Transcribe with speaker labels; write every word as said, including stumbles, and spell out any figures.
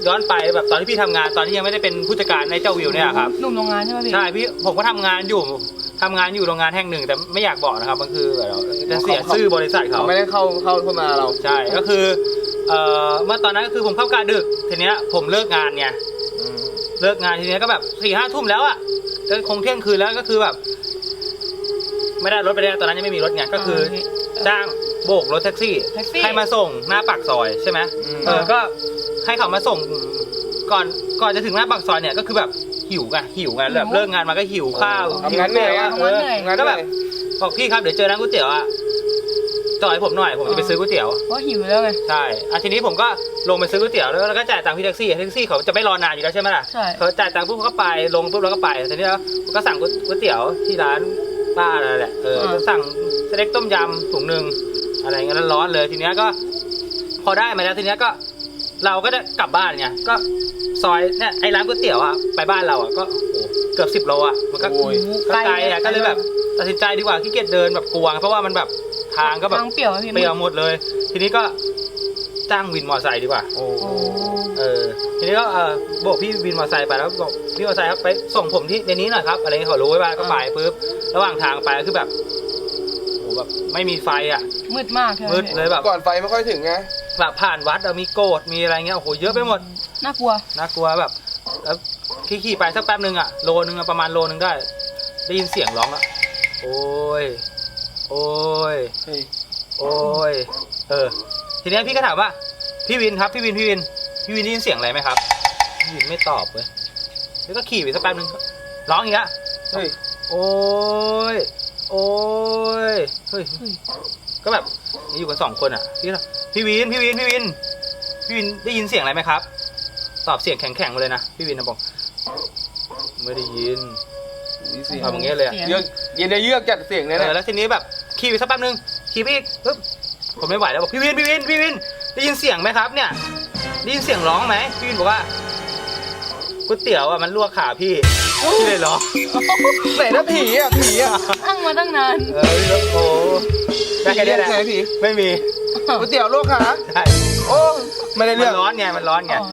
Speaker 1: ย้อนไปแบบตอนที่พี่ทำงานตอนที่ยังไม่ได้เป็นผู้จัดการในเจ้าวิวเนี่ยครับ
Speaker 2: หนุ่มโรงงานใช่ไหมพี่
Speaker 1: ใช่พี่ผมก็ทำงานอยู่ทำงานอยู่โรงงานแห่งหนึ่งแต่ไม่อยากบอกนะครับมันคือแบบจะเสียชื่อบริษัทเขา
Speaker 3: ไม่ได้เข้าเข้าเข้ามาเรา
Speaker 1: ใช่ก็คือเอ่อเมื่อตอนนั้นก็คือผมเข้ากะดึกทีเนี้ยผมเลิกงานไงเลิกงานทีเนี้ยก็แบบสี่ห้าทุ่มแล้วอ่ะก็คงเที่ยงคืนแล้วก็คือแบบไม่ได้รถไปได้ตอนนั้นยังไม่มีรถไงก็คือจ้างโบกรถแท็กซี่ให้มาส่งหน้าปากซอยใช่ไหมเออก็ให้เขามาส่งก่อนก่อนจะถึงหน้าปากซอยเนี่ยก็คือแบบหิวไงหิวไงแบบเลิกงานมาก็หิวข้าว
Speaker 3: ทำงานเหนื่อยอ่ะ
Speaker 1: ก็แบบบอกพี่ครับเดี๋ยวเจอร้านก๋วยเตี๋ยวอ่ะจอดให้ผมหน่อยผมจะไปซื้อก๋วยเตี๋ยว
Speaker 2: เพราะหิวแล้วไง
Speaker 1: ใช่อ่ะทีนี้ผมก็ลงไปซื้อก๋วยเตี๋ยวแล้วก็จ่ายตังค์พี่แท็กซี่แท็กซี่เขาจะไม่รอนานอยู่แล้วใช่ไหมล่ะเขาจ่ายตังค์ปุ๊บเขาก็ไปลงปุ๊บแล้วก็ไปทีนี้แล้วก็สั่งก๋วยเตี๋ยวที่ร้านป้าอะไรแหละเออสั่งสเต็กต้มยำถุงหนึ่งอะไรเงี้ยร้อนเลยทีนี้ก็พอได้มาแล้วทีนี้ก็เราก็ได้กลับบ้านไงก็ซอยเนี่ยไอ้ร้านก๋วยเตี๋ยวอ่ะไปบ้านเราอ่ะก็เกือบสิบโลอ่ะมันก็ไกลอ่ะก็เลยแบบตัดสินใจดีกว่าขี้เกียจเดินแบบกลัวเพราะว่ามันแบบทางก็แบบ
Speaker 2: เปลี่ยว
Speaker 1: เปลี่ยวหมดเลยทีนี้ก็จ้างวินมอเตอร์ไซค์ดีกว่าเออทีนี้ก็เออบอกพี่วินมอเตอร์ไซค์ไปแล้วบอกพี่มอเตอร์ไซค์ครับไปส่งผมที่ในนี้หน่อยครับอะไรเขารู้ไว้บ้างก็ไปปุ๊บระหว่างทางไปก็คือแบบโอ้แบบไม่มีไฟอ่ะ
Speaker 2: มืดมาก
Speaker 1: มืดเลยแบบ
Speaker 3: ก่อนไฟไม่ค่อยถึงไง
Speaker 1: แบบผ่านวัดมีโกดมีอะไรเงี้ยโอ้โหเยอะไปหมด
Speaker 2: น่ากลัว
Speaker 1: น่ากลัวแบบแล้วขี่ไปสักแป๊บนึงอ่ะโลนึงประมาณโลนึงได้ได้ยินเสียงร้องอ่ะโอ้ยโอ้ยโอ้ยเออทีนี้พี่ก็ถามว่าพี่วินครับพี่วินพี่วินพี่วินได้ยินเสียงอะไรไหมครับพี่วินไม่ตอบเลยแล้วก็ขี่ไปสักแป๊บนึงร้องอีกอ่ะเฮ้ยโอ้ยโอ้ยเฮ้ยก็แบบอยู่กันสองคนอ่ะพี่พี่วินพี่วินพี่วินพี่วินได้ยินเสียงอะไรไหมครับตอบเสียงแข็งๆมาเลยนะพี่วินนะบอกไม่ได้ยินทำอย่างเงี้ยเลยอ่ะ
Speaker 3: เยือกเย็นได้เยือกจัดเสียงเลยนะ
Speaker 1: แล้วทีนี้แบบขี่ไปสักแป๊บนึงขี่ไปอีกปึ๊บผมไม่ไหวแล้วบอกพี่วินพี่วินพี่วินได้ยินเสียงไหมครับเนี่ยได้ยินเสียงร้องไหมพี่วินบอกว่าก๋วยเตี๋ยวอ่ะมันลวกขาพี่พี่เลยร้อง
Speaker 3: ไหนนะผีอ่ะผีอ่ะ
Speaker 2: อ้างมาตั้งนาน
Speaker 1: เออโอ้ได้แค่นี้แหละ
Speaker 3: ผี
Speaker 1: ไม่มี
Speaker 3: ก๋วยเตี๋ยวลวกขา
Speaker 1: ใช่
Speaker 3: โอ้ไม่ได้เรื่อง
Speaker 1: มันร้อนไงมันร้อนไง